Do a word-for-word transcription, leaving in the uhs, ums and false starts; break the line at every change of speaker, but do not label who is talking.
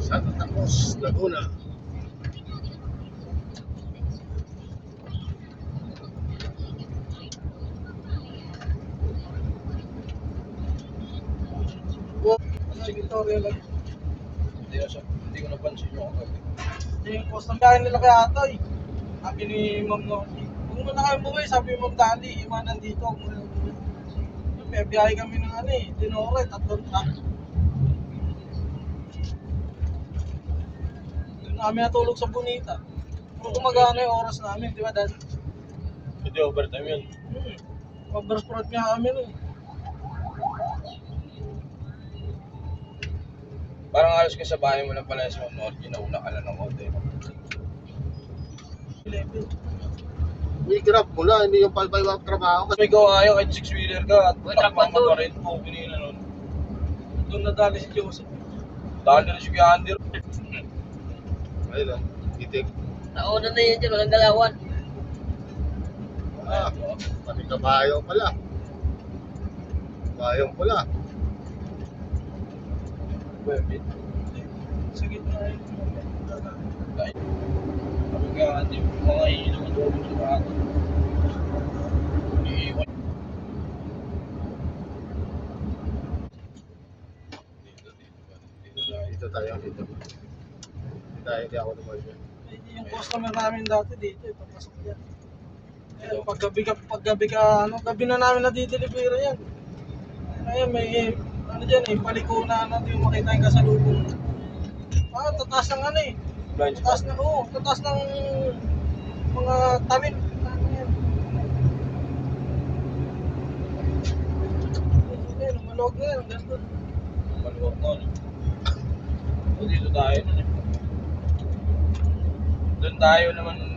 Santa Cruz, Laguna.
Sa Victoria lang.
Hindi ko, siya, hindi ko napansin yung ako.
Yung custom bahay nila kay Atoy. Sabi ni Ma'am Norty. Kung muna kayo buhay, sabi ni Ma'am Dali, iwanan dito. May biyahe kami ng ano eh, Dinore, tatlong truck. Doon namin natulog sa Bonita. Kung gumagana yung oras namin, di ba dad?
Hindi overtime yun.
Hmm. Oversprot nga kami nun.
Parang alas ka sa bahay mo lang pala sa Norte, nauna ka lang ng konti.
eleven.
May grab mo na, hindi yung palbay-wag trabaho.
May gawa kayo kahit six-wheeler ka at
Uy,
takpang
dapat
mo pa rin po kanina nun.
Doon nadali si Joseph.
Dahil na rin si Kuya Andy.
Ayun lang, itik.
Nauna na yun dyan, walang galawan.
Ah, pati kabayo pala. Kabayong pala.
Pwede.
Sa gitna yun.
Sabi Kuya Andy, mga ilaw ang doon sa bago. Iiwan. Dito, dito ba? Dito tayo.
Dito tayo, dito. Dito tayo, hindi ako naman dyan.
Yung customer namin dati dito, ipapasok yan. Ayan, paggabi ka, paggabi ka, ano, gabi na namin nadideliver yan. Ayan, may, ano dyan eh, paliko na natin yung makita yung kasalubong. Ah, tataas ng ano eh.
Blind
Tataas
spot.
na, oo, tataas ng mga tanim. Ano yan? Ayan, maluwag na yan, ganda.
Maluwag mo. No? So, dito tayo nun eh. Doon tayo naman